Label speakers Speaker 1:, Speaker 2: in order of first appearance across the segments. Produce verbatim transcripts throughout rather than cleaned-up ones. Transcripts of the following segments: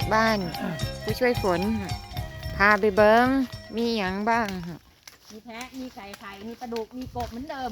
Speaker 1: บ้านผู้ช่วยฝนพาไปเบิ้งมีอย่างบ้าง
Speaker 2: มีแพะมีไก่ไข่มีปลาดุกมีกบเหมือนเดิม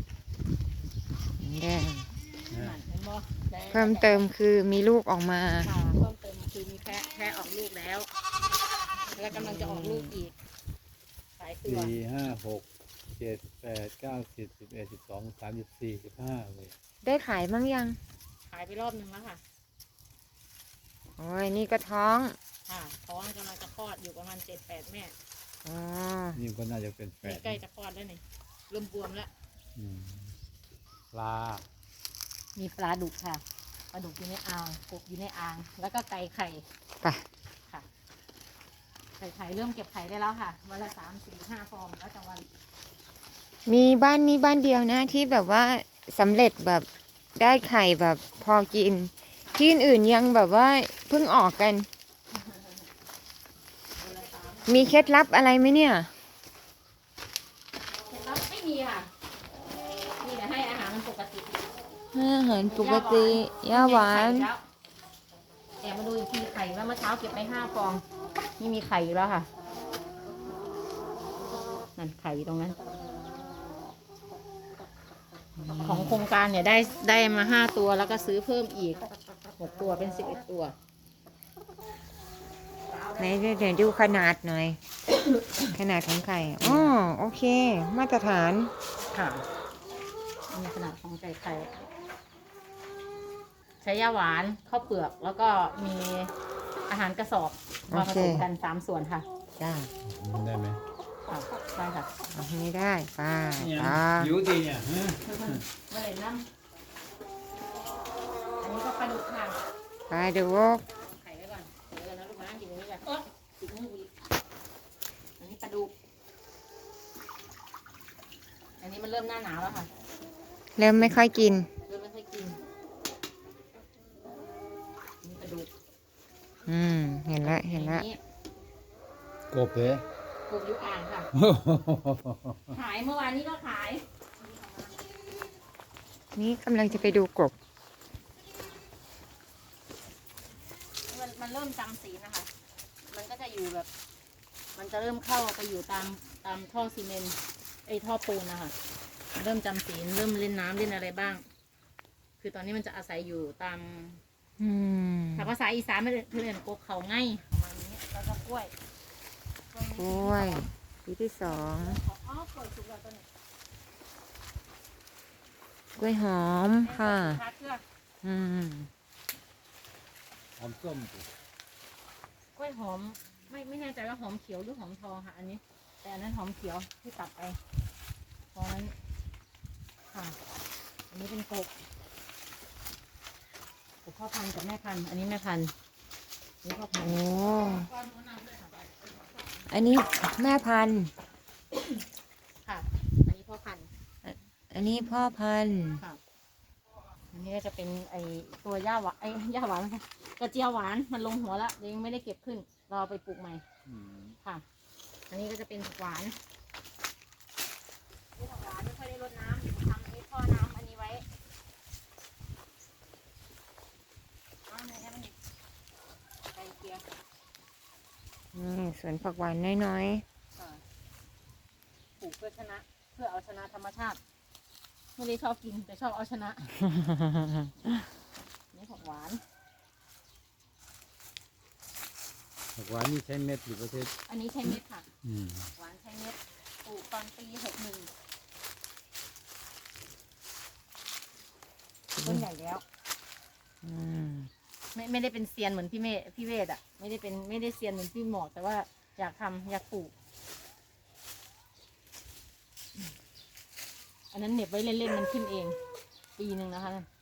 Speaker 1: แดง
Speaker 2: เห็นบ่
Speaker 1: เพิ่มเติมคือมีลูกออกมา
Speaker 2: ค่ะเพิ่มเติมคือมีแพะแพะออกลูกแล้วแล้วกำลังจะออกลูกอีกสายตัว
Speaker 3: สี่ห้าหกเจ็ดแปดเก้าสิบสิบเอ็ดสิบสองสามสิบสี่สิบห้าเลย
Speaker 1: ได้ขายบ้างยัง
Speaker 2: ขายไปรอบนึงแล้วค่ะ
Speaker 1: โอ้ยนี่ก็ท้อง
Speaker 2: ค่ะท้องกำลังจะคลอดอยู่ประมาณเจ็ดแปดแม่
Speaker 1: อ๋อ
Speaker 3: นี่ก็น่าจะเป็นแปด
Speaker 2: ใกล้จะคลอดแล้วนี่เริ่มบวมแล้ว
Speaker 3: ปลา
Speaker 2: มีปลาดุกค่ะปลาดุกอยู่ในอ่างกบอยู่ในอ่างแล้วก็ไก่ไข่
Speaker 1: ไป
Speaker 2: ค่ะไก่ไข่เริ่มเก็บไข่ได้แล้วค่ะวันละสามสี่ห้าฟองแล้วแต่วัน
Speaker 1: มีบ้านนี้บ้านเดียวนะที่แบบว่าสำเร็จแบบได้ไข่แบบพอกินที่อื่นยังแบบว่าเพิ่งออกกัน มีเคล็ดลับอะไรไหมเนี่ย
Speaker 2: เคล็ดลับไม่มีค่ะนี่แต่ให้อาหารมันปกติ
Speaker 1: อาหารปกติย่าหวาน
Speaker 2: แต่มาดูอีกทีไข่ว่าเมื่อเช้าเก็บไปห้าฟองนี่มีไข่อยู่แล้วค่ะนั่นไข่อยู่ตรงนั้นของโครงการเนี่ยได้ได้มาห้าตัวแล้วก็ซื้อเพิ่มอีกหกตัวเป็นสิบเอ็ดตัว
Speaker 1: ไหนเดี๋ยวดูขนาดหน่อย ขนาดของไข่อ๋อโอเคมาตรฐาน
Speaker 2: ค่ะมีขนาดของไก่ไข่ใช้ย่าหวานข้าวเปลือกแล้วก็มีอาหารกระสอบมาผสมกันสามส่วนค่ะ
Speaker 1: จ้า
Speaker 3: ได้ไหม
Speaker 2: ค่ะได้ค่ะ
Speaker 1: ไม่ได้ป้าป้า
Speaker 3: อยู่ดีเนี่ย
Speaker 2: มาเลยน้ำอันนี้ก็ปลาดุกค่ะ
Speaker 1: ปลาดุก
Speaker 2: ไข่ไว้ก่อนเดี๋ยวนะลูกนะกินตรงนี้กันเออติดมืออีกอันนี้ปลาดุกอันนี้มันเริ่มหน้าหนาวแล้วค่ะ
Speaker 1: เริ่มไม่ค่อยกิน
Speaker 2: เริ่มไม่ค่อยกินนี่ปลาดุก
Speaker 1: อืมเห็นละเห็นละ
Speaker 3: กบเลย
Speaker 2: กบอยู่อ่างค่ะขายเมื่อวานนี้ก็ขาย
Speaker 1: นี่กำลังจะไปดูกบ
Speaker 2: มันมันเริ่มจำศีลนะคะมันก็จะอยู่แบบมันจะเริ่มเข้าไปอยู่ตามตามท่อซีเมนต์ไอ้ท่อปูนนะคะเริ่มจำศีลเริ่มเล่นน้ำเล่นอะไรบ้างคือตอนนี้มันจะอาศัยอยู่ตามถ้าภาษาอีสานไม่เพื่อนกบเขาง่ายประมาณนี้แล้วก็กล้วย
Speaker 1: กล้วยปีที่สอง
Speaker 2: อ๋อกล้วยสุกแล้วตัวนี้
Speaker 1: กล้วยหอมค่ะอืม
Speaker 3: หอมส้ม
Speaker 2: กล้วยหอมไม่ไม่แน่ใจว่าหอมเขียวหรือหอมทองค่ะอันนี้แต่อันนั้นหอมเขียวที่ตัดไปเพราะนั้นค่ะอันนี้เป็นกบกบพ่อพันธุ์กับแม่พันธุ์อันนี้แม่พันธุ์นี่พ่อพันธุ์
Speaker 1: โอ้อันนี้แม่พันธุ์
Speaker 2: ค่ะอันนี้พ่อพันธุ์
Speaker 1: อันนี้พ่อพันธุ์
Speaker 2: ค่ะอันนี้ก็จะเป็นไอตัวหญ้าหวานไอย่าหวานกระเจียวหวานมันลงหัวแล้วยังไม่ได้เก็บขึ้นรอไปปลูกใหม่ค่ะอันนี้ก็จะเป็นผักหวานนี่ผักหวานไม่ค่อยได้รดน้ำทำนี้ท่อน้ำอันนี้ไว้อ้าวไหนให้มันไก่เกี๊ยว
Speaker 1: นี่สวนผักหวานน้อย
Speaker 2: ๆปลูกเพื่อชนะเพื่อเอาชนะธรรมชาติไม่ได้ชอบกินแต่ชอบเอาชนะนี่ผักหวาน
Speaker 3: ผักหวานนี่ใช้เม็ดหรือประเภท
Speaker 2: อันนี้ใช้เม็ดค่ะหวานใช้เม็ดปลูกตอนปีหกหนึ่งต้นใหญ่แล้วไม่ไม่ได้เป็นเซียนเหมือนพี่เมฆพี่เวทอ่ะไม่ได้เป็นไม่ได้เซียนเหมือนพี่หมอกแต่ว่าอยากทำอยากปลูกอันนั้นเหน็บไว้เล่นๆมันขึ้นเองปีหนึ่งนะคะ